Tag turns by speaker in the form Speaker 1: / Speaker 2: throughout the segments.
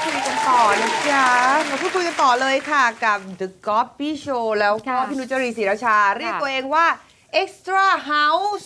Speaker 1: คุยกันต่อนะจ๊ะมาพูดคุยกันต่อเลยค่ะกับ The Copy Show แล้วก็พี่นุชจรีศรีราชา เรียกตัวเองว่า Extra House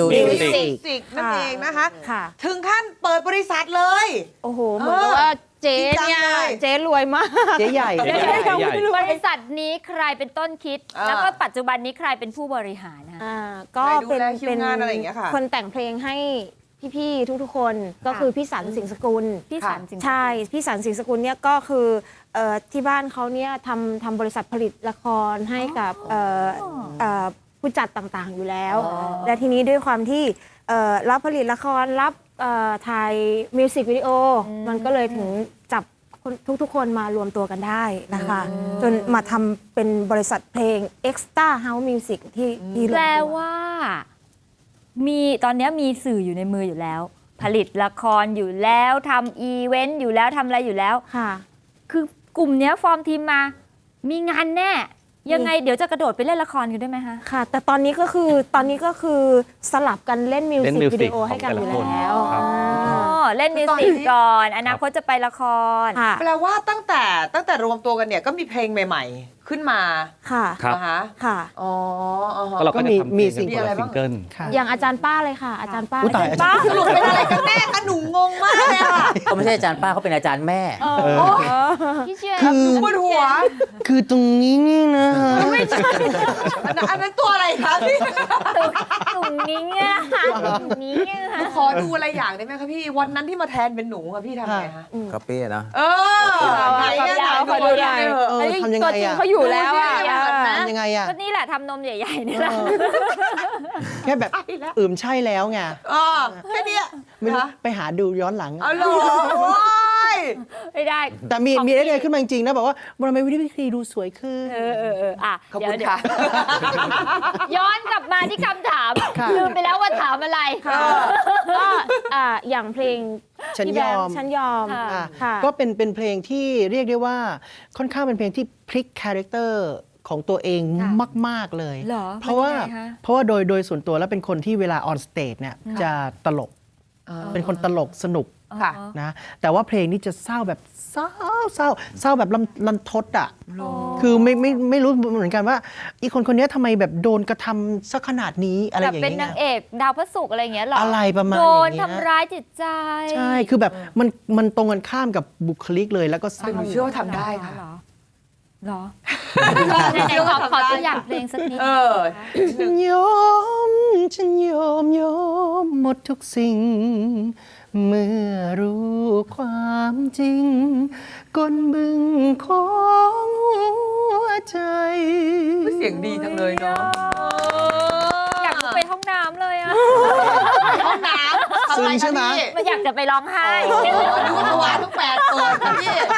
Speaker 1: Music นั่นเองนะคะ ถึงขั้นเปิดบริษัทเลย
Speaker 2: โอ้โห เหมือนกับว่าเจ๊เนี่ยเจ๊รวยมาก
Speaker 3: เจ๊ใหญ่
Speaker 4: บริษัทนี้ใครเป็นต้นคิด แล้วก็ปัจจุบันนี้ใครเป็นผู้บริหารนะ
Speaker 2: ก็เป็น
Speaker 1: คิวงานอะไรอย่างเงี้ยค่ะ
Speaker 2: คนแต่งเพลงให้พี่ๆทุกๆคนก็คือพี่สันสิงห์สกุล
Speaker 4: พี่สันสิงห์สกุล
Speaker 2: ใช่พี่สันสิงห์สกุลเนี่ยก็คือที่บ้านเขาเนี่ยทำบริษัทผลิตละครให้กับผู้จัดต่างๆอยู่แล้ว และทีนี้ด้วยความที่รับผลิตละครรับถ่ายมิวสิกวิดีโอมันก็เลยถึงจับทุกๆคนมารวมตัวกันได้นะคะจนมาทำเป็นบริษัทเพลง Extra House Music ที่
Speaker 4: แปลว่ามีตอนนี้มีสื่ออยู่ในมืออยู่แล้ว ผลิตละครอยู่แล้วทำอีเวนต์อยู่แล้วทำอะไรอยู่แล้ว
Speaker 2: ค่ะ
Speaker 4: คือกลุ่มเนี้ยฟอร์มทีมมามีงานแน่ยังไงเดี๋ยวจะกระโดดไปเล่นละครกันได้ไหมคะ
Speaker 2: ค่ะ แต่ตอนนี้ก็คือสลับกันเล่นมิวสิกวิดีโอให้กันอยู่แล้ว
Speaker 4: เล่นมิวสิกก่อนอนาคตจะไปละคร
Speaker 1: แปลว่าตั้งแต่รวมตัวกันเนี่ยก็มีเพลงใหม่ๆ ขึ้นมา
Speaker 2: ค่ะ
Speaker 1: นะคะ
Speaker 2: ค่ะ
Speaker 1: อ๋อ
Speaker 3: ก็เราก็จะทำมีซิงเกิล
Speaker 2: อย่างอาจารย์ป้าเลยค่ะ อาจารย์ป้า
Speaker 3: ตาย
Speaker 1: ป้าสรุปเป็นอะไรกันแน่คะหนูงงมากเลยค่ะ
Speaker 5: เขาไม่ใช่อาจารย์ป้าเขาเป็นอาจารย์แม่
Speaker 4: พี่เชื่อ
Speaker 1: ปวดหัว
Speaker 3: คือตรงนี้นี่นะ
Speaker 1: ไม่ใช่อันนั้นตัวอะไรคะพี่
Speaker 4: กลุ่มนี้เนี่ยค่ะกลุ่มนี้เนี่ยค่ะ
Speaker 1: ขอดูอะไรอย่างได้ไหมคะพี่วันนั้นที่มาแทนเป็นหนูค่ะพี่ทำไงคะ
Speaker 5: ก็เปี้ยนะ
Speaker 1: ไหนอะไหน
Speaker 2: ขอดูหน่อย
Speaker 3: ทำยังไง
Speaker 2: ตัวจริง
Speaker 3: อะ
Speaker 2: เขาอยู่แล้วอะ
Speaker 3: ทำยังไงอะ
Speaker 4: ก็นี่แหละทำนมใหญ่ๆนี่แหละ
Speaker 3: แค่แบบใช่แล้วไง
Speaker 1: แค่เนี้ย
Speaker 3: ไม่รู้ไปหาดูย้อนหลัง
Speaker 1: เอาหรอโอ้ย
Speaker 4: ไม่ได้
Speaker 3: แต่มีไอเดียขึ้นมาจริงๆนะบอกว่าทำไมวิธีดูสวยขึ้น
Speaker 4: อ่ะ
Speaker 1: ขอบ
Speaker 4: เดี๋ย
Speaker 1: คุ
Speaker 4: ว
Speaker 1: ณค่ะ
Speaker 4: ย้อนกลับมาที่คำถาม
Speaker 3: ค่ะ
Speaker 4: ลืมไปแล้วว่าถามอะไร
Speaker 2: ก็อย่างเพลง
Speaker 3: ฉัน
Speaker 2: พี่
Speaker 3: ย
Speaker 2: แบ
Speaker 3: อ
Speaker 2: ม
Speaker 3: ม
Speaker 2: ฉันยอม
Speaker 3: อ่ะ
Speaker 2: ค่ะ
Speaker 3: ก็เป็นเพลงที่เรียกได้ว่าค่อนข้างเป็นเพลงที่พลิกคาแรคเตอร์ของตัวเอง
Speaker 4: ค่ะ
Speaker 3: มาก ๆ เลย
Speaker 4: เหรอ
Speaker 3: เพราะว่า
Speaker 4: มันยังไงคะ
Speaker 3: โดยส่วนตัวแล้วเป็นคนที่เวลาออนสเตจเนี่ยจะตลก เป็นคนตลกสนุก
Speaker 1: ค่ะ
Speaker 3: นะแต่ว่าเพลงนี้จะเศร้าแบบเศร้าแบบลันทดอ่ะคือไม่รู้เหมือนกันว่าอีคนนี้ทำไมแบบโดนกระทำสักขนาดนี้อะไรอ
Speaker 4: แบบ
Speaker 3: ย่าง
Speaker 4: เป็น
Speaker 3: เงี้
Speaker 4: นาย งเอกดาวพระศุกร์อะไรอย่างเงี้ยเหรอ
Speaker 3: อะไรประมาณ
Speaker 4: โด
Speaker 3: อย่าง
Speaker 4: น
Speaker 3: เงี้ย
Speaker 4: ทำร้ายจิตใจ
Speaker 3: ใช่คือแบบมันตรงกันข้ามกับบุคลิกเลยแล้วก็เศร้า
Speaker 1: หนูเชื่อว่าทำได้ค่ะ
Speaker 4: เหรอไหนๆขอตัวอย่างเพลงสักนิด
Speaker 3: ฉันยอมหมดทุกสิ่ง เมื่อรู้ความจริงก้นบึงของหัวใจ
Speaker 1: เสียงดีจังเลยเนาะ
Speaker 4: อยากไปห้องน้ำเลยอ่ะ
Speaker 1: ห้องน้ำ
Speaker 3: ซึ้งใช่ไหม
Speaker 4: มันอยากจะไปร้องไห้
Speaker 1: ดูทวารทั้ง8ตัวค่ะ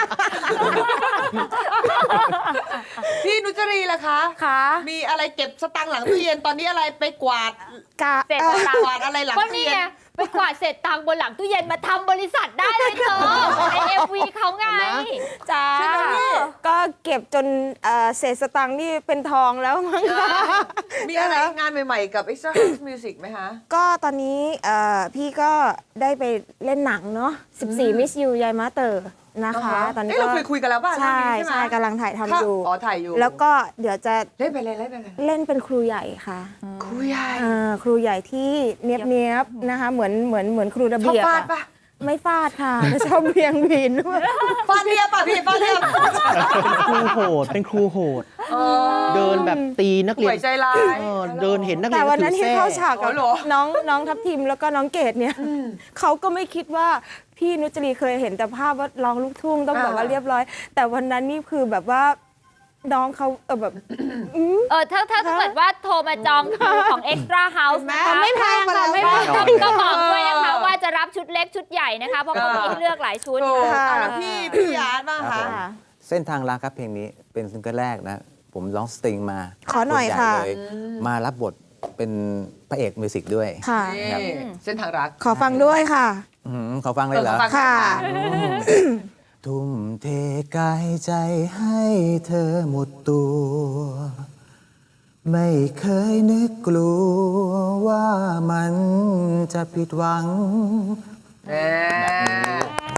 Speaker 1: พี่นุจรีล่ะคะ
Speaker 2: ค่ะ
Speaker 1: มีอะไรเก็บสตังค์หลังตู้เย็นตอนนี้อะไรไปกวาด
Speaker 4: เสร็จ
Speaker 1: กวาดอะไรหลัง
Speaker 4: ก็
Speaker 1: ตู้
Speaker 4: นี่
Speaker 1: เย็
Speaker 4: ไง
Speaker 1: น
Speaker 4: ไปกวาดเศษตังค์บนหลังตู้เย็นมาทำบริษัทได้เลยเธอไอเอฟวีเขาไง
Speaker 2: จ้าก็เก็บจนเศษสตังค์นี่เป็นทองแล้วมั้งคะ
Speaker 1: มีอะไรงานใหม่ๆกับ Extra House Music ไหมคะ
Speaker 2: ก็ตอนนี้พี่ก็ได้ไปเล่นหนังเนาะ14 Miss You ยายมาเตอร์นะคะ ตอนนี้
Speaker 1: เราเคยคุยกันแล้วป่ะ
Speaker 2: ใช่
Speaker 1: เรื่องนี้ใช่ไหม
Speaker 2: ใช่กำลังถ่ายทำอยู่
Speaker 1: ถ่ายอยู่
Speaker 2: แล้วก็เดี๋ยวจะ
Speaker 1: เล่นไปเลย
Speaker 2: เล่นเป็นครูใหญ่ค่ะ
Speaker 1: ครูใหญ่
Speaker 2: ครูใหญ่ที่เนียบๆนะคะเหมือนครูระ
Speaker 1: ชอบ
Speaker 2: เบียบ
Speaker 1: ฟาด
Speaker 2: อะ
Speaker 1: ปะ
Speaker 2: ไม่ฟาดค่ะแต่ชอบเบียงบีนด้วย
Speaker 1: ฟาดเรียบป่ะพี่ฟาดเรียบ
Speaker 3: เป็นครูโหดเดินแบบตีนักเรีย
Speaker 1: ป่วยใจร้าย
Speaker 3: เดินเห็นนักเรี
Speaker 2: แต่
Speaker 3: ยน
Speaker 2: วันนั้น
Speaker 3: ถื
Speaker 2: ที่
Speaker 3: อแส้
Speaker 2: เข้าฉากกับ
Speaker 1: อ๋อเหรอ
Speaker 2: น้องทัพทิมแล้วก็น้องเกดเนี่ยเขาก็ไม่คิดว่าพี่นุจรีเคยเห็นแต่ภาพว่าร้องลูกทุ่งต้องแบบว่าเรียบร้อย แต่วันนั้นนี่คือแบบว่าน้องเขาแบบ
Speaker 4: ถ้าเกิดว่าโทรมาจองคิวของ Extra House นะคะ
Speaker 2: ไม่แพงค่ะไม่แพง
Speaker 4: ก็บอกด้วยนะคะว่าจะรับชุดเล็กชุดใหญ่นะคะ เพราะเขามีให้เลือกหลายชุด
Speaker 1: ถูก
Speaker 2: ค่ะ
Speaker 1: แล้วพี่ยาร์ดบ้างคะ
Speaker 5: เส้นทางรักครับเพลงนี้เป็นซิงเกิลแรกนะ ผมร้องสตริงมา
Speaker 2: ขอหน่อยค่ะ
Speaker 5: บทใญ่เลยมารับบทเป็นพระเอกมิวสิกด้วย
Speaker 2: ค่ะ
Speaker 5: ครับ
Speaker 1: เส้นทางรัก
Speaker 2: ขอฟังด้วยค่ะ
Speaker 5: ขอฟังเลยเหรอ
Speaker 2: ค่ะ
Speaker 5: ทุ่มเทกายใจให้เธอหมดตัว ไม่เคยนึกกลัวว่ามันจะผิดหวัง
Speaker 1: แหม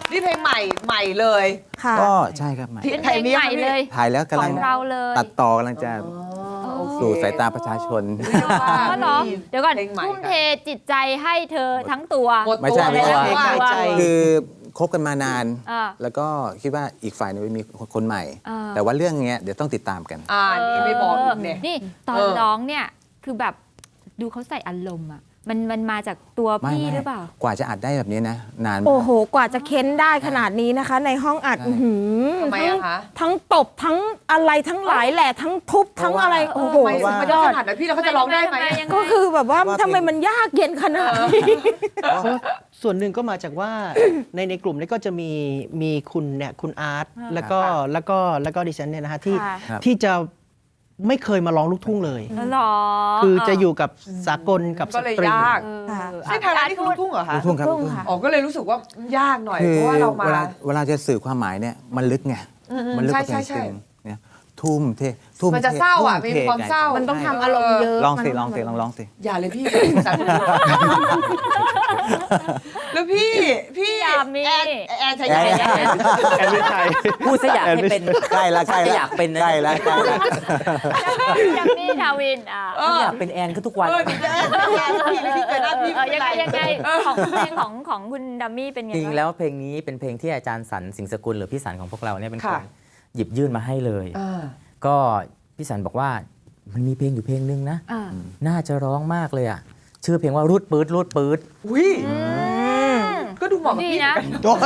Speaker 1: นี่เพลงใหม่เลย
Speaker 2: ค่ะ
Speaker 5: ก็ใช่ครับใหม่
Speaker 1: ที่
Speaker 4: เป็นเพลงใหม่เลย
Speaker 5: ถ่ายแล้ว
Speaker 4: ข
Speaker 5: กำลั
Speaker 4: อง งเราเลย
Speaker 5: ตัดต่อกำลังจะสู่สายตาประชาชน
Speaker 4: อ๋อเหรอเดี๋ยวก่อน
Speaker 1: เพลงใหม่
Speaker 4: ทุ่มเทจิตใจให้เธอทั้งตัว
Speaker 1: หมด
Speaker 5: ไม่
Speaker 1: ตัว
Speaker 5: ใช่
Speaker 1: เลย
Speaker 5: ไม่ใช่
Speaker 1: นะว่า
Speaker 3: ใจ
Speaker 5: คือคบกันมานาน
Speaker 4: อ่า
Speaker 5: แล้วก็คิดว่าอีกฝ่ายหนึงมีคนใหม่
Speaker 4: อ่า
Speaker 5: แต่ว่าเรื่องเนี้ยเดี๋ยวต้องติดตามกัน
Speaker 1: นี่ไม่บอกอีกเนี่ย
Speaker 4: นี่ตอน
Speaker 1: เออ
Speaker 4: ร้องเนี่ยคือแบบดูเขาใส่อารมณ์อ่ะมันมาจากตัวพี่หรือเปล่า
Speaker 5: กว่าจะอัดได้แบบนี้นะ นาน
Speaker 2: โอ้โห กว่าจะเค้นได้ขนาดนี้นะคะ ในห้องอัด
Speaker 5: ใช่
Speaker 2: อื้อหือ
Speaker 1: ทำไมอะคะ
Speaker 2: ทั้งตบทั้งอะไรทั้งหลายแหละทั้งทุบทั้งอะไร โอ้โห
Speaker 1: ทำไมมันจะขนาดนั้นพี่แล้วเขาจะร้องได้ไหม
Speaker 4: ยังไง
Speaker 2: ก็คือแบบว่าทำไมมันยากเย็นขนาดนี้
Speaker 3: เพราะส่วนหนึ่งก็มาจากว่า ในกลุ่มนี้ก็จะมีคุณเนี่ยคุณอาร์ตแล้วก็ดิฉันเนี่ยนะฮะที่
Speaker 4: ค่ะ
Speaker 5: ครับ
Speaker 3: ที่จะไม่เคยมาร้องลูกทุ่งเลย
Speaker 4: หรอ
Speaker 3: คือจะอยู่กับสากลกับ
Speaker 1: ก็
Speaker 3: ส
Speaker 1: เลย
Speaker 3: ตริง
Speaker 1: ยาก
Speaker 2: ค่ะ
Speaker 1: ใช่ทางร้านนี่คือลูกทุ่งเหรอคะ
Speaker 5: ลูกทุ่งครับ
Speaker 2: ลู
Speaker 5: ลู
Speaker 2: ก
Speaker 5: ก
Speaker 2: ทุ่
Speaker 5: ทุ่
Speaker 2: ง
Speaker 5: ง
Speaker 2: ค่ะ
Speaker 1: อ๋อก็เลยรู้สึกว่ายากหน่อย
Speaker 5: คื
Speaker 1: เพ
Speaker 5: อ
Speaker 1: ราะว่าเรามา
Speaker 5: เวลาจะสื่อความหมายเนี่ยมันลึกไง มันลึกกว่าเพลง
Speaker 1: ใช่
Speaker 5: จริงเนี่ยทุ่มเททุ่ม
Speaker 1: มันจะเศร้าอ่ะมีความเศร้า
Speaker 2: มันต้องทำอารมณ์เยอะ
Speaker 5: ลองสิ
Speaker 2: มัน
Speaker 5: ลองสิลองสิ
Speaker 1: อย่าเลยพี่สารแล้วพี่
Speaker 4: อย่ามี
Speaker 1: แอนใช่ไหม
Speaker 3: แอนวิชัย
Speaker 6: พูดซะอยากให้เป็น
Speaker 5: ใกล้ละใกล้
Speaker 6: จะ
Speaker 5: ละ
Speaker 6: อยากเป็นนะ
Speaker 5: ใกล้ละใกล้ละ
Speaker 4: ยังมีทาวิน
Speaker 6: อยากเป็นแอนก็ทุกวัน
Speaker 1: พี่เจอหน้าพี่
Speaker 4: ยังไงของเพลงของคุณดัมมี่เป็นไง
Speaker 6: จริง
Speaker 4: บ้าง
Speaker 6: แล้วเพลงนี้เป็นเพลงที่อาจารย์สันสิงห์สกุลหรือพี่สันของพวกเราเนี่ยเป็นคนหยิบยื่นมาให้เลย ก็พี่สันบอกว่ามันมีเพลงอยู่เพลงนึงนะ น่าจะร้องมากเลยอ่ะ ชื่อเพลงว่ารูดปื๊ดรูดปื๊ด
Speaker 1: อุ้ยก็ดูเหมาะกับ
Speaker 4: ดี
Speaker 1: พี่
Speaker 4: นะ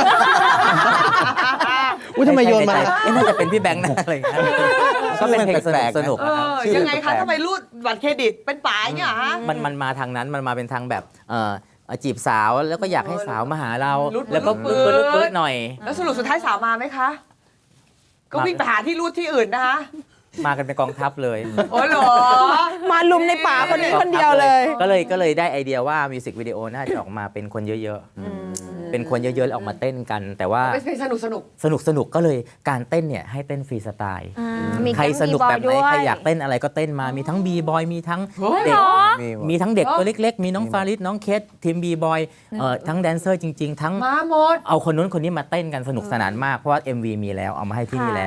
Speaker 3: อุ้ยทำไมโยนมา
Speaker 6: ใช่น่าจะเป็นพี่แบงค์นะอะไรอย่างเงี้ยก็เป็นเพลงสนุกๆนะครับ
Speaker 1: ยังไงคะทำไมรูดบัตรเครดิตเป็นป๋าอย่างเงี้ยฮะ
Speaker 6: มันมาทางนั้นมันมาเป็นทางแบบจีบสาวแล้วก็อยากให้สาวมาหาเรา
Speaker 1: รูดปื๊ด
Speaker 6: แล้วก็
Speaker 1: รูดปื๊
Speaker 6: ปื๊
Speaker 1: ด
Speaker 6: ดปื๊ดหน่อย
Speaker 1: แล้วสรุปสุดท้ายสาวมาไหมคะ ก็วิ่งไปหาที่รูดที่อื่นนะคะ
Speaker 6: มากันเป็นกองทัพเลย
Speaker 1: โอ้เหรอ
Speaker 2: มาลุมในป่าคนนี้คนเดียวเลย
Speaker 6: ก็เลยได้ไอเดียว่ามิวสิกวิดีโอน่าจะออกมาเป็นคนเยอะๆเป็นคนเยอะๆแล้วออกมาเต้นกัน แต่ว่า
Speaker 1: เป็นเพลงสนุก
Speaker 6: สนุกก็เลยการเต้นเนี่ยให้เต้นฟรีสไตล์
Speaker 2: มี
Speaker 6: ใครสนุกแบบไหน
Speaker 2: ทั้ง B-boy
Speaker 6: ใครอยากเต้นอะไรก็เต้นมามีทั้งบีบอยมีทั้ง
Speaker 1: เฮ้ย
Speaker 6: เด็ก
Speaker 4: เหรอ
Speaker 6: มีทั้งเด็กตัวเล็กๆ มีน้องฟาริสน้องเคสทีมบีบอยทั้งแดนเซอร์จริง ๆ ทั้ง
Speaker 1: มาหมด
Speaker 6: เอาคนนู้นคนนี้มาเต้นกันสนุกสนานมาก เพราะว่า MV มีแล้วเอามาให้ที่นี่แล้ว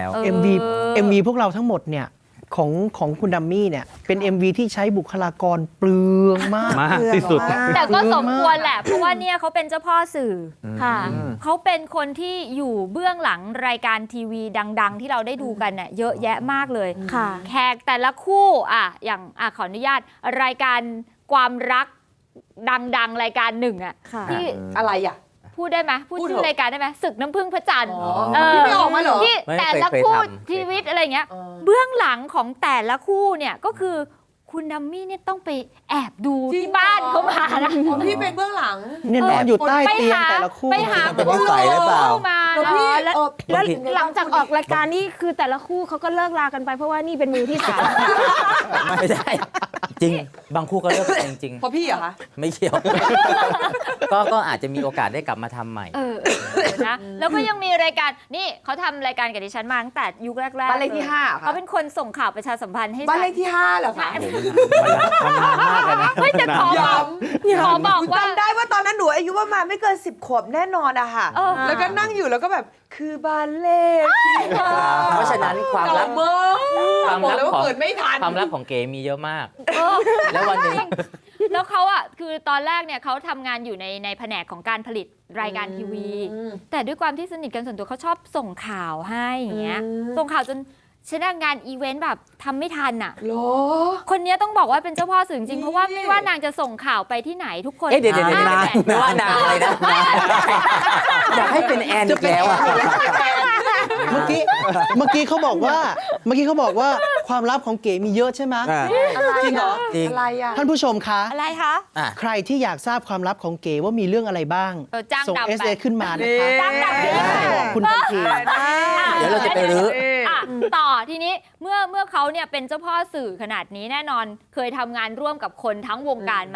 Speaker 3: MV พวกเราทั้งหมดเนี่ยของคุณดัมมี่เนี่ยเป็น MV ที่ใช้บุคลากรเปลืองมาก
Speaker 5: มากที่สุด
Speaker 4: แต่ก็สมควรแหละ เพราะว่าเนี่ยเขาเป็นเจ้าพ่อสื่ออ
Speaker 2: ค่ะ
Speaker 4: เขาเป็นคนที่อยู่เบื้องหลังรายการทีวีดัง ๆ ที่เราได้ดูกันเนี่ยเยอะแยะมากเลย
Speaker 2: ค่ะ
Speaker 4: แขกแต่ละคู่อย่างขออนุญาตรายการความรักดัง ๆ รายการหนึ่ง
Speaker 2: ค่ะ
Speaker 4: ที่
Speaker 1: อะไรอ่ะ
Speaker 4: พูดได้ไหมพูด
Speaker 1: พูดเถ
Speaker 4: ชื่
Speaker 1: อะ
Speaker 4: อรายการได้ไหมศึกน้ำพึ่งพระจันทร์
Speaker 1: พี่ไม่ออกมาเหรอ
Speaker 4: ที่
Speaker 6: ไม่
Speaker 4: แต่ละ
Speaker 6: เคย
Speaker 4: คู่
Speaker 6: ทำ
Speaker 4: ชีวิตอะไรเงี้ย เบื้องหลังของแต่ละคู่เนี่ยก็คือคุณดัมมี่เนี่ยต้องไปแอบดู
Speaker 1: จริง
Speaker 4: ที่บ้านเขามานะ
Speaker 1: อ๋อพี่เป็นเบื้องหลัง
Speaker 3: เนี่ยนอนอยู่ใต้เตียงแต่ละคู่
Speaker 4: ไปหา
Speaker 5: เป็นนิสัยหรือเปล่า
Speaker 4: คู่มา
Speaker 1: แล้ว
Speaker 4: นะ
Speaker 1: พี่
Speaker 2: แล้ว
Speaker 6: บางที
Speaker 2: หลังจากออกรายการนี่คือแต่ละคู่เขาก็เลิกลากันไปเพราะว่านี่เป็นมือที่สาม
Speaker 6: ไม่ได้ จริงบางคู่ก็เลิกกันจริง
Speaker 1: เพราะพี่เหรอคะ
Speaker 6: ๆไม่เกี่ยว ก็อาจจะมีโอกาสได้กลับมาทำใหม่
Speaker 4: นะแล้วก็ยังมีรายการนี่เขาทำรายการกับดิฉันมาตั้งแต่ยุคแรกๆ
Speaker 1: บ้านเลขที่ 5
Speaker 4: เขาเป็นคนส่งข่าวประชาสัมพันธ์ให้
Speaker 1: บ้านเล
Speaker 4: ฉั
Speaker 1: ขที่ 5เหรอคะ
Speaker 6: มันนานมากเลยนะ
Speaker 4: ไม่จะขอบอกขอบอกว่า
Speaker 1: จำได้ว่าตอนนั้นหนูอายุประมาณไม่เกิน10 ขวบแน่นอนอะค่ะ
Speaker 4: เออ
Speaker 1: แล้วก็นั่งอยู่แล้วก็แบบคือบ้านเลขที่
Speaker 6: เพราะฉะนั้นความลับ
Speaker 1: เก่ามาก
Speaker 6: ความ
Speaker 1: บอก
Speaker 6: ลับ
Speaker 1: เลยว่า
Speaker 6: ของ
Speaker 1: เกิดไม่ทัน
Speaker 6: ความลับของเก๋มีเยอะมาก
Speaker 4: เออ
Speaker 6: แล้ววันหนึ่ง
Speaker 4: แล้วเขาคือตอนแรกเนี่ยเขาทำงานอยู่ในแผนกของการผลิตรายการทีวี แต่ด้วยความที่สนิทกันส่วนตัวเขาชอบส่งข่าวให้อย่างเงี้ยส่งข่าวจนชนะงานอีเวนต์แบบทำไม่ทันอ่ะ
Speaker 1: เหรอ
Speaker 4: คนนี้ต้องบอกว่าเป็นเจ้าพ่อสื่อจริงๆเพราะว่าไม่ว่านางจะส่งข่าวไปที่ไหนทุกคน
Speaker 6: เดี๋ยว
Speaker 4: อ่
Speaker 6: นานไม่ว่านานอะไรนะอยากให้เป็นแอนอีกแล้วอ่ะ
Speaker 3: เมื่อกี้เขาบอกว่าความลับของเก๋มีเยอะใช่ไหม จริงเหรอ
Speaker 6: จริง
Speaker 1: อะไรอะ
Speaker 3: ท่านผู้ชมคะ
Speaker 4: อะไรคะ
Speaker 6: อ่ะ
Speaker 3: ใครที่อยากทราบความลับของเก๋ว่ามีเรื่องอะไรบ้าง
Speaker 4: จ้าง
Speaker 3: ส่ง
Speaker 4: ดำไป
Speaker 3: SA ขึ้นมานะคะ
Speaker 4: จ้างดำไป
Speaker 3: บอกคุณทันที
Speaker 6: เดี๋ยวเราจะไปรื้อ
Speaker 4: ต่อทีนี้เมื่อเขาเนี่ยเป็นเจ้าพ่อสื่อขนาดนี้แน่นอนเคยทำงานร่วมกับคนทั้งวงการมา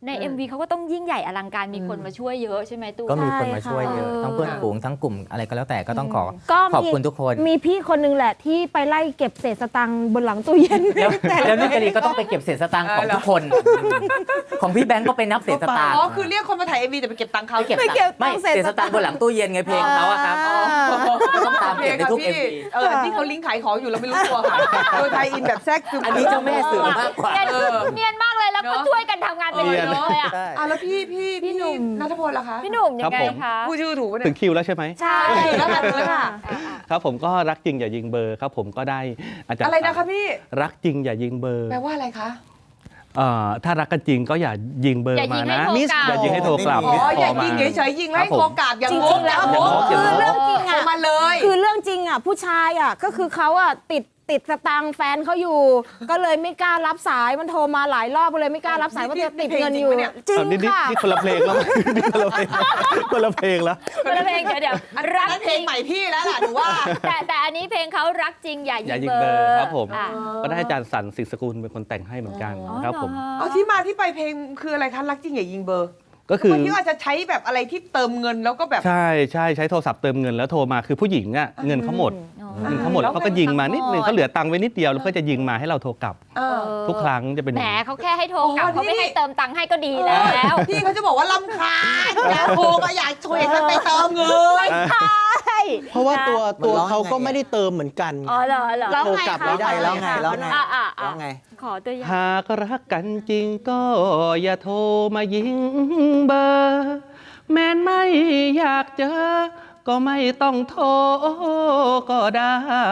Speaker 4: ใน MV เขาก็ต้องยิ่งใหญ่อลังการมีคนมาช่วยเยอะใช่ไหมตู้
Speaker 6: ก็มีคนมาช่วยเยอะ
Speaker 4: ใช่ค่ะ
Speaker 6: ทั้งเพื่อนฝูงทั้งกลุ่มอะไรก็แล้วแต่ก็ต้องขอ
Speaker 2: ก็
Speaker 6: ขอบคุณทุกคน
Speaker 2: มีพี่คนนึงแหละที่ไปไล่เก็บเศษสตังค์บนหลังตู้เย็น
Speaker 6: แล้วนุกกะลีก็ต้องไปเก็บเศษสตางค์ของทุกคน ของพี่แบงก์ก็ไปนับเศษสตางค์
Speaker 1: อ๋อคือเรียกคนมาถ่าย MV แต่ไปเก็บตังค์เขา
Speaker 6: ไปเก็บ
Speaker 2: ไปเก็บ
Speaker 6: ไม่
Speaker 2: ตังค์เศ
Speaker 6: เศ
Speaker 2: ษ
Speaker 6: ษสตางค์บนหลังตู้เย็นไงเพลงเขาอะครับต้องตามเก็บในทุก
Speaker 1: พี่
Speaker 6: MV
Speaker 1: ที่เขาลิงก์ขายของอยู่เราไม่รู้ตัวค่ะโดยไทยอินแบบแทรกซึม
Speaker 6: อันนี้เจ้าแม่สื่อมากกว่า
Speaker 4: เนียนมากเลยแล้วก็ช่วยกันทำงานเป็นเลยอ่ะ
Speaker 1: แล้วพี่หนุ่มนัทพลล่ะคะ
Speaker 4: พี่หนุ่มยังไงคะ
Speaker 1: พูดชื่อถูกปะ
Speaker 7: ถึ
Speaker 1: เนี่ย
Speaker 7: งคิวแล้วใช่ไหม
Speaker 4: ใช่
Speaker 1: แล้วกันเลยค่ะ
Speaker 7: ครับผมก็รักจริงอย่ายิงเบอร์ครับผมก็ได้อาจารย์
Speaker 1: อะไรนะคะพี่
Speaker 7: รักจริงอย่ายิงเบอร์
Speaker 1: แปลว่าอะไรคะ
Speaker 7: ถ้ารักกันจริงก็อย่ายิงเบอร์
Speaker 4: อย่ายิ
Speaker 7: มาง
Speaker 4: ให้
Speaker 7: นะ
Speaker 4: โทรกลับ
Speaker 7: อย่ายิงให้โทรกลับ
Speaker 1: อ๋อ
Speaker 7: มิส
Speaker 1: อย่า
Speaker 7: คล
Speaker 1: ยิง
Speaker 7: ม
Speaker 1: เฉยๆยิงให้
Speaker 7: ครับผม
Speaker 1: โทรกลับอย่าง
Speaker 2: จริ
Speaker 1: ง
Speaker 2: งๆแล้ว
Speaker 1: อย่า
Speaker 2: คือเรื่องจริง
Speaker 1: โทร
Speaker 2: อ่ะ
Speaker 1: มาเลย
Speaker 2: คือเรื่องจริงอ่ะผู้ชายอ่ะก็คือเขาอ่ะติดสตังค์แฟนเขาอยู่ ก็เลยไม่กล้ารับสายมันโทรมาหลายรอบก็เลยไม่กล้ารับสายว่าเธอติดเงินอยู่จริง
Speaker 7: นี่
Speaker 2: ค่ะ
Speaker 7: นี่คนละเพลงแล้ว นี่คนละเพลงคนละเพลงแล้ว
Speaker 4: คนละเพลงเดี๋ยวรัก
Speaker 1: นั่นเพ
Speaker 4: จ
Speaker 1: ล
Speaker 4: ริ
Speaker 1: ง
Speaker 4: ง
Speaker 1: ใหม่พี่แล้วล่ะหนูว่า
Speaker 4: แต่อันนี้เพลงเขารักจริงอย่า
Speaker 7: อย่า
Speaker 4: ยิ
Speaker 7: ยิ
Speaker 4: ง
Speaker 7: ง
Speaker 4: เบ
Speaker 7: เบ
Speaker 4: อ
Speaker 7: อร์
Speaker 4: ร์
Speaker 7: ครับผม
Speaker 4: อ่ะ
Speaker 7: ก็ได้อาจารย์สันสิงห์สกุลเป็นคนแต่งให้เหมือนกันครับผม
Speaker 1: เอาที่มาที่ไปเพลงคืออะไรคะรักจริงอย่ายิงเบอร์
Speaker 7: ก็คือ
Speaker 1: ทำไมพี่อาจจะใช้แบบอะไรที่เติมเงินแล้วก็แบบ
Speaker 7: ใช่ใช้โทรศัพท์เติมเงินแล้วโทรมาคือผู้หญิงอ่ะเงินเขาหมดเงินเขาหมดแล้วเขาก็ยิงมานิดนึงเขาเหลือตังค์ไว้นิดเดียวแล้วก็จะยิงมาให้เราโทรกลับ ทุกครั้งจะเป็นอ
Speaker 4: แหม
Speaker 7: ย่างนี้
Speaker 4: เขาแค่ให้โทรกลับ
Speaker 1: อ๋อ
Speaker 4: เขาไม่
Speaker 1: นี่
Speaker 4: ให้เติมตังค์ให้ก็ดีแล้ว
Speaker 1: พี่เขาจะบอกว่าลำคาญอยากโทรก็อยากช่วยกันไปเติมเงิน
Speaker 3: เพราะว่าตัว
Speaker 5: มันร้อง
Speaker 3: เขาก็
Speaker 5: ไง
Speaker 3: ไม่ได้เติมเหมือนกัน
Speaker 4: อ๋อเหรอ
Speaker 3: โทรกลับไม่ได้
Speaker 5: แล้วไงแล้วไง
Speaker 4: อ่ะ
Speaker 5: แล้วไง
Speaker 4: ขอตัวอย่าง
Speaker 7: หากรักกันจริงก็อย่าโทรมายิงเบอร์ แม้นไม่อยากเจอ ก็ไม่ต้องโทรก็ได้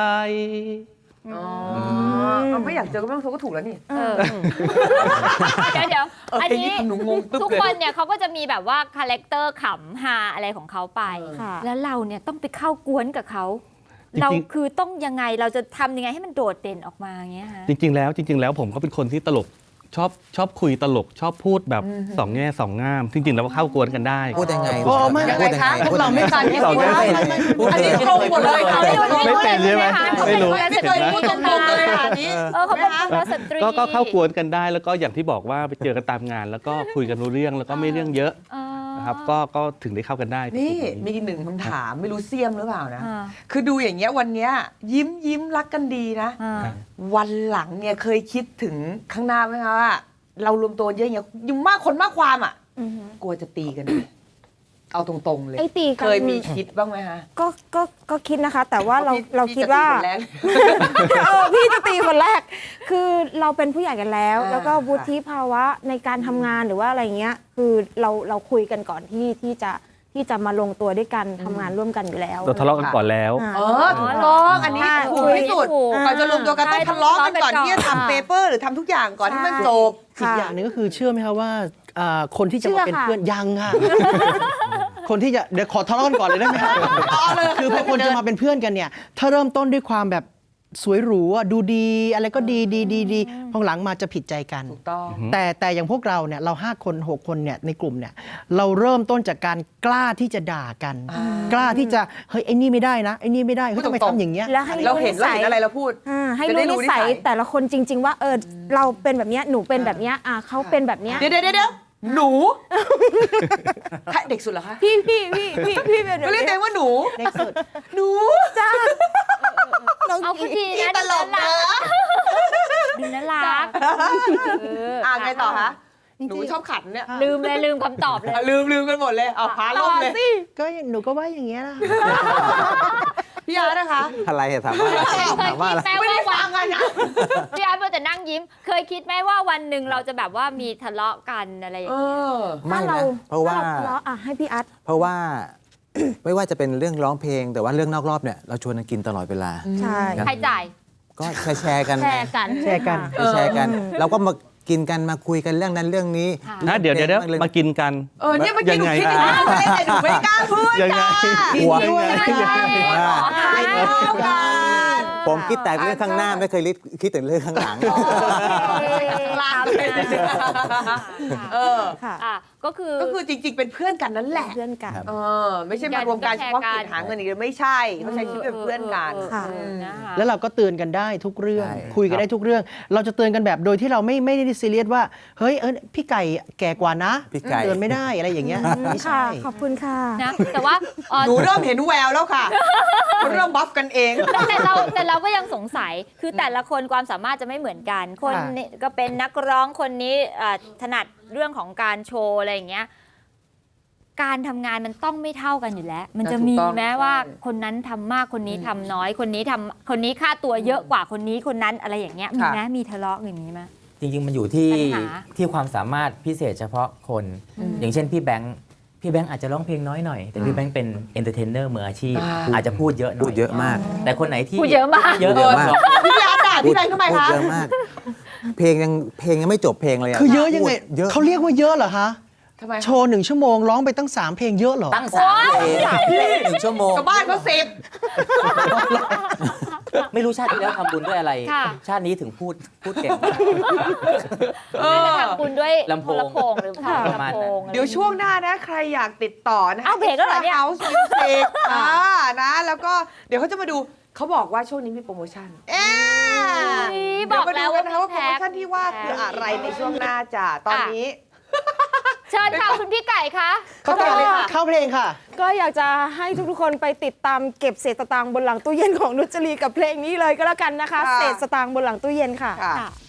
Speaker 1: ไม่อยากเจอก็ไม่ต้องโทรก็ถูกแล้วนี่
Speaker 4: เดี๋ยวอันนี้
Speaker 1: นี่หนูงงตึ๊บ
Speaker 4: ทุก
Speaker 1: เลย
Speaker 4: คนเนี่ยเขาก็จะมีแบบว่าคาแรคเตอร์ขำฮาอะไรของเขาไป
Speaker 2: ค่ะ
Speaker 4: แล้วเราเนี่ยต้องไปเข้ากวนกับเขา
Speaker 7: จริงๆ
Speaker 4: เราคือต้องยังไงเราจะทำยังไงให้มันโดดเด่นออกมาอย่างเงี้ยฮะ
Speaker 7: จริงๆแล้วผมก็เป็นคนที่ตลกชอบคุยตลกชอบพูดแบบสองแง่สองง่าม จริงๆแล้วเข้ากวนกันได้
Speaker 5: พูดยังไง
Speaker 3: โอ้ไม่
Speaker 5: พูดยังไง
Speaker 1: พวกเราไม่ทัน
Speaker 7: สองแง่
Speaker 1: อันนี้ตรงหมดเลยค่ะ
Speaker 7: ไม่เป็นใช่ไหมไม่รู้
Speaker 1: ไม่เคยพูดตรงๆเลยค่ะอันนี้
Speaker 4: เขาเป็นสุภาพสตรี
Speaker 7: ก็เข้ากวนกันได้แล้วก็อย่างที่บอกว่าไปเจอกันตามงาน แล้วก็คุยกันรู้เรื่องแล้วก็ไม่เรื่องเยอะ
Speaker 4: อ๋อ
Speaker 7: นะครับก็ถึงได้เข้ากันได้
Speaker 1: นี่มีหนึ่งคำถามไม่รู้เสียมหรือเปล่านะ
Speaker 4: อ่า
Speaker 1: คือดูอย่างเงี้ยวันเนี้ยยิ้มรักกันดีนะ
Speaker 4: อ่า
Speaker 1: วันหลังเนี่ยเคยคิดถึงข้างหน้าไหมคะว่าเรารวมตัวเยอะอย่างเงี้ยยิ่งมากคนมากความอ่ะกลัวจะตีกันไหมเอาตรงๆเลย
Speaker 2: ไอ้ตีกัน
Speaker 1: เคยมีคิดบ้างไหมคะ
Speaker 2: ก็คิดนะคะ แต่ว่าเรา
Speaker 1: พี่
Speaker 2: เราคิดว่า
Speaker 1: พี่จะตีคนแรก
Speaker 2: พี่จะตีคนแรก คือเราเป็นผู้ใหญ่กันแล้ว
Speaker 1: อ่า
Speaker 2: แล้วก็วุฒิภาวะในการทำงานหรือว่าอะไรเงี้ย คือเราคุยกันก่อนที่จะมาลงตัวด้วยกันทำงานร่วมกันอยู่แล้ว
Speaker 7: เราทะเลาะกันก่อนแล้ว
Speaker 2: อ่า
Speaker 1: ถูกต้องอันนี้
Speaker 2: ใช่
Speaker 1: ถูกที่สุด
Speaker 4: ถูก
Speaker 1: ก่อนจะรวมตัวกันต้องทะเลาะกันก่อน
Speaker 4: ใช่
Speaker 1: ที่จะทำเปเปอร์หรือทำทุกอย่างก่อนที่มันจบ
Speaker 3: อีกอย่างหนึงก็คือเชื่อไหมครับว่าคนที่จะมาเป็น
Speaker 2: เชื่อค่ะ
Speaker 3: เพื่อนยังค่ะ คนที่จะเดี๋ยวขอทะเลาะกันก่อนเลยได้ไหมครับคือพอคนจะมาเป็นเพื่อนกันเนี่ย ถ้าเริ่มต้นด้วยความแบบสวยหรูอะดูดีอะไรก็ดีพอหลังมาจะผิดใจกัน
Speaker 1: ถูกต้อง
Speaker 3: แต่อย่างพวกเราเนี่ยเรา5 คน 6 คนเนี่ยในกลุ่มเนี่ยเราเริ่มต้นจากการกล้าที่จะด่ากัน กล้าที่จะเฮ้ยไอ้นี่ไม่ได้นะไอ้นี่ไม่ได้เฮ้ยทำไมทำอย่างเงี้ย
Speaker 2: แล้วให้
Speaker 1: เราเห็น
Speaker 2: รู้นิสัย
Speaker 1: อะไรเราพูด
Speaker 2: ให้
Speaker 1: จะได้รู้
Speaker 2: รู้นิสัย
Speaker 1: นิสัย
Speaker 2: แต่ละคนจริง ๆ ว่าเราเป็นแบบเนี้ยหนูเป็นแบบเนี้ยเขาเป็นแบบเนี้ย
Speaker 1: เดี๋ยวหนูใครเด็กสุดเหรอคะ
Speaker 2: พี่เป็นแบบ
Speaker 1: ก็เรียกตัวเองว่าหนู
Speaker 3: เด็กสุด
Speaker 1: หนู
Speaker 2: จ้า
Speaker 4: เอาคุณดีนะ
Speaker 1: ตลกนะ
Speaker 4: ดูน่ารัก
Speaker 1: ไงต่อคะหนูชอบขันเนี่ย
Speaker 4: ลืมคำตอบเลย
Speaker 1: ลืมกันหมดเลยเอาพาล่มเลย
Speaker 3: ก็หนูก็ว่าอย่างเงี้ยนะ
Speaker 1: พี่อาร์ตนะคะ
Speaker 5: อะไรอะถามว่าอะไร
Speaker 4: เคย
Speaker 5: ถามว่า
Speaker 4: คิ
Speaker 5: อะ
Speaker 4: ด
Speaker 5: ไร
Speaker 4: ไหม
Speaker 1: ไม่
Speaker 4: ว่า
Speaker 1: ได้
Speaker 4: วั
Speaker 1: ฟั
Speaker 4: น
Speaker 1: งกันนะ
Speaker 4: พี่อาร์ตเพื่อแต่นั่งยิ้ม เคยคิดไหมว่าวันหนึ่งเราจะแบบว่ามีทะเลาะกันอะไรอย่าง
Speaker 1: เอ
Speaker 4: เงี้ย
Speaker 1: อ
Speaker 5: ไม่
Speaker 2: ถ้าเรา
Speaker 5: นะเพราะว่า
Speaker 2: ทะเลาะให้พี่อัด
Speaker 5: เพราะว่า ไม่ว่าจะเป็นเรื่องร้องเพลง แต่ว่าเรื่องนอกรอบเนี่ยเราชวนกันกินตลอดเวลา
Speaker 2: ใช่
Speaker 5: ครับ
Speaker 4: ใครจ่าย
Speaker 5: ก็แชร์กัน
Speaker 2: แชร์กัน
Speaker 3: แชร์กัน
Speaker 5: แชร์กัน เราก็มากินกันมาคุยกันเรื่องนั้นเรื่องนี้
Speaker 4: ค่ะ
Speaker 7: นะเดี๋ยวมากินกัน
Speaker 1: เนี่ยเมื่อกี้หนูคิด
Speaker 7: ยังไง
Speaker 1: นะแต่หนูไม่กล้าพูด
Speaker 7: ยังไง
Speaker 1: ค่ะ
Speaker 5: หัว
Speaker 1: กินด้วย
Speaker 5: ยังไง
Speaker 1: ทานข้าวกัน
Speaker 5: ผมคิดแต่เรื่องข้างหน้าไม่เคยคิดถึงเรื่องข้างหลัง
Speaker 1: ลาเลย
Speaker 2: ค่ะ
Speaker 4: ก็คือ
Speaker 1: ก็คือจริงๆ เป็นเพื่อนกันนั่นแหละ
Speaker 2: เพื่อนกัน
Speaker 5: ครับ
Speaker 1: ไม่ใช่มารวมการเฉพาะกิจหาเงินอย่างเดียวไม่ใช่เขาใช้ชีวิตเป็นเพื่อนกัน
Speaker 2: ค่ะ
Speaker 4: นะคะ
Speaker 3: แล้วเราก็เตือนกันได้ทุกเรื่อง
Speaker 5: ใช่
Speaker 3: คุยกันได้ทุกเรื่อง เราจะเตือนกันแบบโดยที่เราไม่ได้ซีเรียสว่าเฮ้ยพี่ไก่แก่กว่านะ
Speaker 5: พี่ไก่
Speaker 3: เตือนไม่ได้อะไรอย่างเงี้ยไม่
Speaker 2: ค่ะ
Speaker 3: ใช่
Speaker 2: ขอบคุณค่ะ
Speaker 4: นะแต่ว่า
Speaker 1: หนูเริ่มเห็นแววแล้วค่ะเริ่มบัฟกันเอง
Speaker 4: แต่เราก็ยังสงสัยคือแต่ละคนความสามารถจะไม่เหมือนกัน คนนี้ก็เป็นนักร้องคนนี้ถนัดเรื่องของการโชว์อะไรอย่างเงี้ยการทำงานมันต้องไม่เท่ากันอยู่แล้ว มันจะมี
Speaker 1: ถูกต้อง
Speaker 4: แม้ว่าคนนั้นทำมากคนนี้ทำน้อยคนนี้ค่าตัวเยอะกว่าคนนี้คนนั้นอะไรอย่างเงี้ยมีไหมมีทะเลาะอย่างนี้ไหม
Speaker 6: จริง ๆ มันอยู่ที่
Speaker 4: ปัญหา
Speaker 6: ที่ความสามารถพิเศษเฉพาะคน อย่างเช่นพี่แบงค์อาจจะร้องเพลงน้อยหน่อย แต่พี่แบงค์เป็นเอนเตอร์เทนเนอร์มืออาชีพ อาจจะพูดเยอะหน่อย
Speaker 5: พูดเยอะมาก
Speaker 6: แต่คนไหนที่
Speaker 4: พูดเยอะมาก
Speaker 6: เยอะ
Speaker 5: เยอะมาก
Speaker 1: พี่อาร์ตด่าพี่แบงค์ทำไม
Speaker 5: พูด
Speaker 1: คะ
Speaker 5: เยอะมาก เพลงยังไม่จบเพลงเลยะ
Speaker 3: คือเยอะยังไง
Speaker 5: พูดเยอะ
Speaker 3: เขาเรียกว่าเยอะเหรอฮะ
Speaker 1: ทำไม
Speaker 3: โชว์1 ชั่วโมงร้องไปตั้ง 3 เพลงเยอะเหรอ
Speaker 6: ตั้ง3 เพลง1 ชั่วโมง
Speaker 1: ชาวบ้านก็10
Speaker 6: ไม่รู้ชาติที่แล้วทำบุญด้วยอะไร
Speaker 4: ค่ะ
Speaker 6: ชาตินี้ถึงพูดเก่ง
Speaker 4: น่าจะทำบุญด้วย
Speaker 6: ลำโพง
Speaker 4: หรือเปล่า
Speaker 6: ประมาณ
Speaker 4: ลำโพ
Speaker 6: นั้น
Speaker 4: ง
Speaker 1: เดี๋ยวช่วงหน้านะใครอยากติดต่อนะ
Speaker 4: เอาเบรกแล้วเหรอเนี่ย
Speaker 1: House Music นะแล้วก็เดี๋ยวเขาจะมาดูเขาบอกว่าช่วงนี้มีโปรโมชั่นเดี๋ยวมาดูกันนะคะว่าโปรโมชั่นที่ว่าคืออะไรในช่วงหน้าจ้ะตอนนี้
Speaker 4: เชิญค่ะคุณพี่ไก่คะ
Speaker 3: เข้าเพลงเลยค่ะเข้าเพลงค่ะ
Speaker 2: ก็อยากจะให้ทุกๆคนไปติดตามเก็บเศษสตางค์บนหลังตู้เย็นของนุชจรีกับเพลงนี้เลยก็แล้วกันนะคะ
Speaker 1: ค่ะ
Speaker 2: เศษสตางค์บนหลังตู้เย็นค่ะ
Speaker 1: ค่ะ
Speaker 4: ค่ะ